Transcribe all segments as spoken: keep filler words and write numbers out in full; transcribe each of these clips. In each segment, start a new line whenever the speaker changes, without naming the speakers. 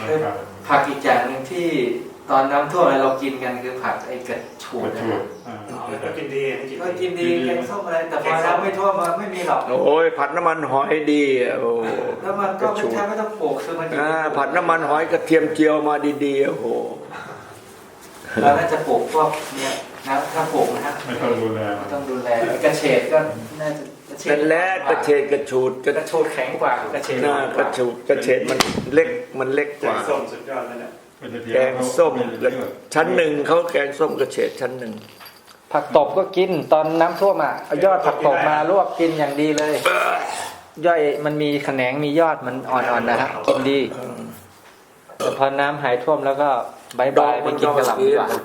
ผักอีกอย่างหนึ่งที่ตอนน้ำท่วมเรากินกันคือผักไอ้กระชูดนะครับ
ก็กินดี
ก็กินดีแกงส้มอะไรแต่พอน้ำไม่ท่วมมันไม่มีหรอก
โอ้ยผัดน้ำมันหอยดีโอ้
แล้วมันก็ไม่ใช่ไม่ต้องปลูกคือมัน
ผัดน้ำมันหอยกระเทียมเจียวมาดีๆโอ้โห
เราน่าจะปลูกพวกเนี้ยนะถ้าปลูกนะฮะ
ไม่ต้องดูแล
ไม่ต้องดูแลกระเฉดก็น่าจะ
เป็นแร่กระเฉดกระชูด
กระชูดแข็งกว่ากระเฉด
กระชูดกระเฉดมันเล็กมันเล็กกว่า
ส้มสุดยอดเลยนะ
แกงส้มชั้นหนึ่งเขาแกงส้มกระเฉดชั้นหนึ่ง
ผักตบก็กินตอนน้ำท่วมอ่ะเอายอดผักตบมาลวกกินอย่างดีเลยย่อยมันมีแขนงมียอดมันอ่อนๆนะฮะกินดีแต่พอน้ำหายท่วมแล้วก็บายบายไปกินกระหล่ำดีกว่า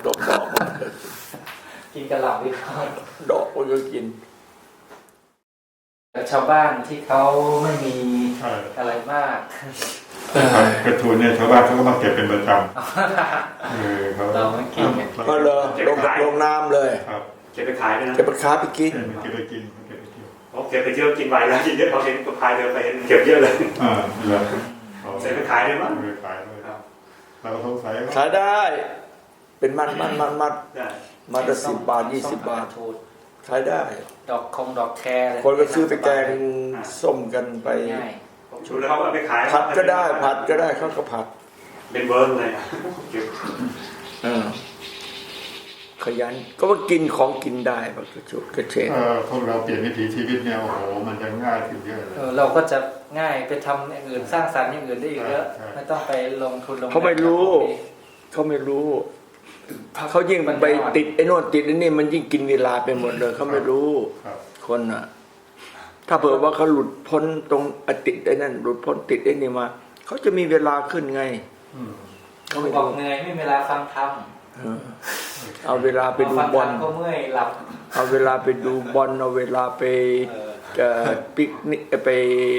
กินกระหล่ำดีกว่า
ดอกก็กิน
แต่ชาวบ้านที่เขาไม่มีอะไรมาก
กระทูนเนี่ยชาวบ้านเขาก็มาเก็บเป็นประจำเออเขา
เราไม่กิน
ก็เลยลงลงน้ำเลย
เก็บไปขายด้วยนะ
เก็บไปขายไปกิน
เก็บไปกินเก็บไปกินเขาเก็บไปเยอะกินไปแล้วกินเยอะเขาเห็นตัวพายเดินไปเห็นเก็บเยอะเลยอ่าเหรอเสร็จไปขายได้มั้งไปขายด้วยเราสงสัย
ขายได้เป็นมัดมัดมัดมัดมัดละสิบบาทยี่สิบบาทขายได้
ดอกคงดอกแคร์
คนก็ซื้อไปแกงส้มกันไป
ชุดแล้วเขาเอาไปขาย
ผัดก็ได้ผัดก็ได้เขาก็ผัด
เป็นเบิร์นเลย
ขยันก็ว่ากินของกินได้แบบกระชุดกระเฉด
พวกเราเปลี่ยนวิถีชีวิตเนี่ยโอ้โหมันจะง่ายขึ้นเยอะเลย
เราก็จะง่ายไปทำอย่างอื่นสร้างสรรค์อย่างอื่นได้อีกเยอะไม่ต้องไปลงทุนลง
เขาไม่รู้เขาไม่รู้เขายิ่งไปติดไอ้โน่นติดไอ้นี่มันยิ่งกินเวลาไปหมดเลยเขาไม่รู้คนอ่ะถ้าเผื่อว่าเขาหลุดพ้นตรงติดไอ้นั่นหลุดพ้นติดไอ้นี่มาเขาจะมีเวลาขึ้นไง
เขาบอกเหนื่อยไม่มีเวลาฟังธรรม
เอาเวลาไปดูบอล
ก็เมื่อยหลับ
เอาเวลาไปดูบอลเอาเวลาไปปิกนิกไป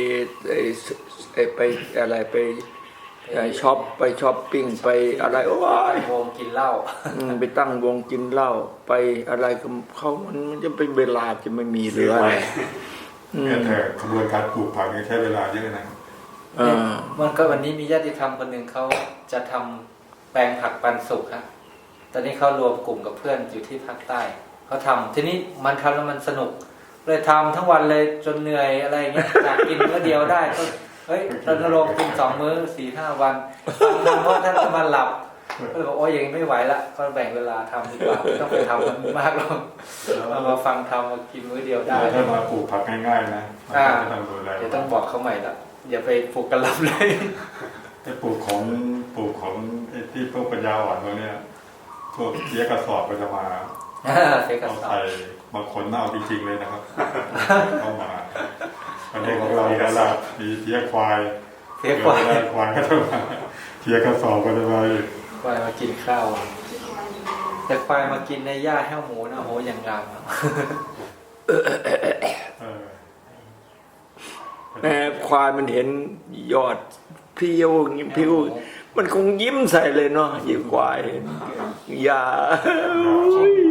ไปอะไรไปช็อปไปช้อปปิ้งไปอะไรโอ้
ยวงกินเหล้า
ไปตั้งวงกินเหล้าไปอะไรเขามันมันจะเป็นเวลาจะไม่มีเหลืออะไร
แต่ขบวนการปลูกผักนี่ใช้เวลาเยอะนะ
มันก็วันนี้มีญาติธรรมคนหนึ่งเขาจะทำแปลงผักปันสุกครับตอนนี้เขารวมกลุ่มกับเพื่อนอยู่ที่ภาคใต้เขาทำทีนี้มันทำแล้วมันสนุกเลยทำทั้งวันเลยจนเหนื่อยอะไรเงี้ยอยากกินมื้อเดียวได้ก็เฮ้ยตอนนรงกินสองมื้อสี่ห้าวันทำเพราะท่านจะมาหลับก็เลยบอกโอ้ยอย่างนี้ไม่ไหวละก็แบ่งเวลาทำดีกว่าไม่ต้องไปทำมันมากหรอกเอามาฟังทำมากินมื้อเดียวได้
ถ้ามาปลูกผักง่ายๆนะ
เดี๋ยวต้องบอกเขาใหม่ละอย่าไปปลูกกระหล่ำเลย
ไอ้ปลูกของปลูกของไอ้ที่พวกปัญญาอ่อนพวกเนี้ยพวกเสียกระสอบก็จะมา
เอา
ใส่มาขนเอาจริงๆเลยนะครับเข้ามาอันนี้ของเราแล้วล่ะมีเสียควาย
เสียควาย
ควายก็จะมาเสียกระสอบก็จะมา
ควายมากินข้าวแต่ควายมากินในหญ้าแห้วหมูนะโหอย่างงาม
แม่ควายมันเห็นยอดพิ้วยิ้มพิ้วมันคงยิ้มใส่เลยเนาะยิ้มควายอย่า